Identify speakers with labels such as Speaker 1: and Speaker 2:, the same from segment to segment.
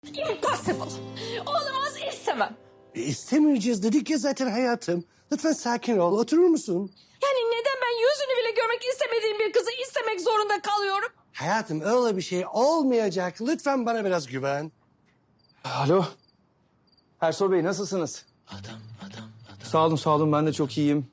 Speaker 1: Impossible. Olamaz, istemem.
Speaker 2: İstemeyeceğiz dedik ya zaten hayatım. Lütfen sakin ol. Oturur musun?
Speaker 1: Yani neden ben yüzünü bile görmek istemediğim bir kızı istemek zorunda kalıyorum?
Speaker 2: Hayatım öyle bir şey olmayacak. Lütfen bana biraz güven.
Speaker 3: Alo. Ersoy Bey nasılsınız? Sağ olun ben de çok iyiyim.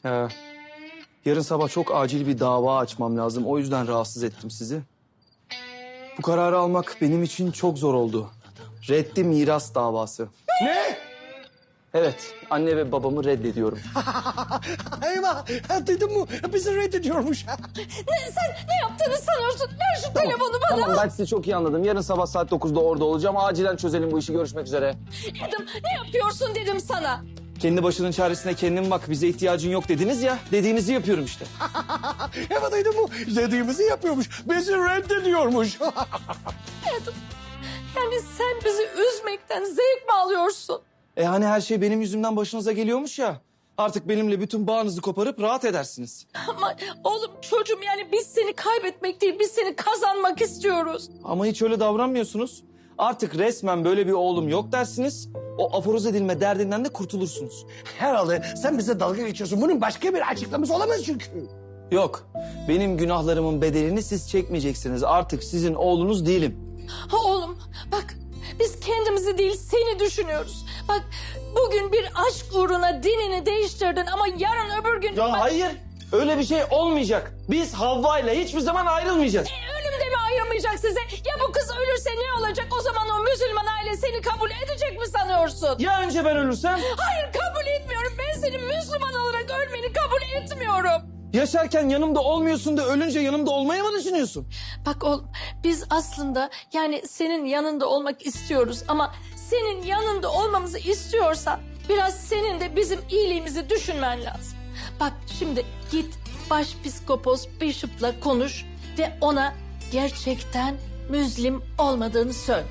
Speaker 3: Yarın sabah çok acil bir dava açmam lazım. O yüzden rahatsız ettim sizi. Bu kararı almak benim için çok zor oldu. Reddi miras davası.
Speaker 2: Ne?
Speaker 3: Evet, anne ve babamı reddediyorum.
Speaker 2: Eyvah! Duydun mu? Bizi reddediyormuş.
Speaker 1: Sen ne yaptığını sanıyorsun? Ver şu telefonu bana.
Speaker 3: Tamam ben sizi çok iyi anladım. Yarın sabah saat 9'da orada olacağım. Acilen çözelim bu işi. Görüşmek üzere.
Speaker 1: Adam, ne yapıyorsun dedim sana.
Speaker 3: Kendi başının çaresine kendin bak. Bize ihtiyacın yok dediniz ya. Dediğinizi yapıyorum işte.
Speaker 2: Evet duydun mu? Dediğimizi yapıyormuş. Bizi reddediyormuş.
Speaker 1: Adam, yani sen bizi üzmekten zevk mi alıyorsun?
Speaker 3: Hani her şey benim yüzümden başınıza geliyormuş ya. Artık benimle bütün bağınızı koparıp rahat edersiniz.
Speaker 1: Ama oğlum çocuğum, yani biz seni kaybetmek değil, biz seni kazanmak istiyoruz.
Speaker 3: Ama hiç öyle davranmıyorsunuz. Artık resmen böyle bir oğlum yok dersiniz. O aforoz edilme derdinden de kurtulursunuz.
Speaker 2: Herhalde sen bize dalga geçiyorsun. Bunun başka bir açıklaması olamaz çünkü.
Speaker 3: Yok, benim günahlarımın bedelini siz çekmeyeceksiniz. Artık sizin oğlunuz değilim.
Speaker 1: Ha oğlum bak, biz kendimizi değil seni düşünüyoruz. Bak, bugün bir aşk uğruna dinini değiştirdin ama yarın öbür gün...
Speaker 3: Ya hayır, öyle bir şey olmayacak. Biz Havva ile hiçbir zaman ayrılmayacağız.
Speaker 1: Ölüm de mi ayırmayacak size? Ya bu kız ölürse ne olacak? O zaman o Müslüman aile seni kabul edecek mi sanıyorsun?
Speaker 3: Ya önce ben ölürsem?
Speaker 1: Hayır, kabul etmiyorum. Ben senin Müslüman olarak ölmeni kabul etmiyorum.
Speaker 3: Yaşarken yanımda olmuyorsun da ölünce yanımda olmayı mı düşünüyorsun?
Speaker 1: Bak oğlum, biz aslında yani senin yanında olmak istiyoruz ama senin yanında olmamızı istiyorsan biraz senin de bizim iyiliğimizi düşünmen lazım. Bak şimdi git başpiskopos Bishop'la konuş ve ona gerçekten Müslim olmadığını söyle.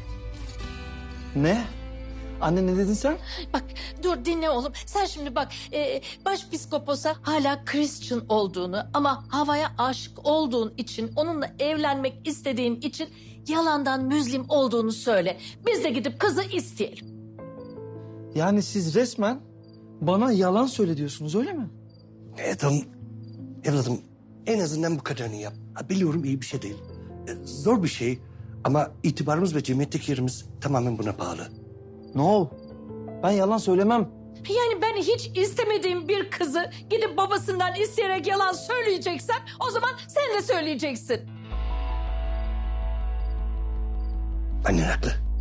Speaker 3: Ne? Anne ne dedin sen?
Speaker 1: Bak dur dinle oğlum. Sen şimdi bak başpiskoposa hala Christian olduğunu ama havaya aşık olduğun için, onunla evlenmek istediğin için yalandan Müslim olduğunu söyle. Biz de gidip kızı isteyelim.
Speaker 3: Yani siz resmen bana yalan söyle diyorsunuz öyle mi?
Speaker 2: Evladım en azından bu kadarını yap. Biliyorum iyi bir şey değil. Zor bir şey ama itibarımız ve cemiyetteki yerimiz tamamen buna bağlı.
Speaker 3: No. Ben yalan söylemem.
Speaker 1: Yani ben hiç istemediğim bir kızı gidip babasından isteyerek yalan söyleyeceksen o zaman sen de söyleyeceksin.
Speaker 2: Annen haklı.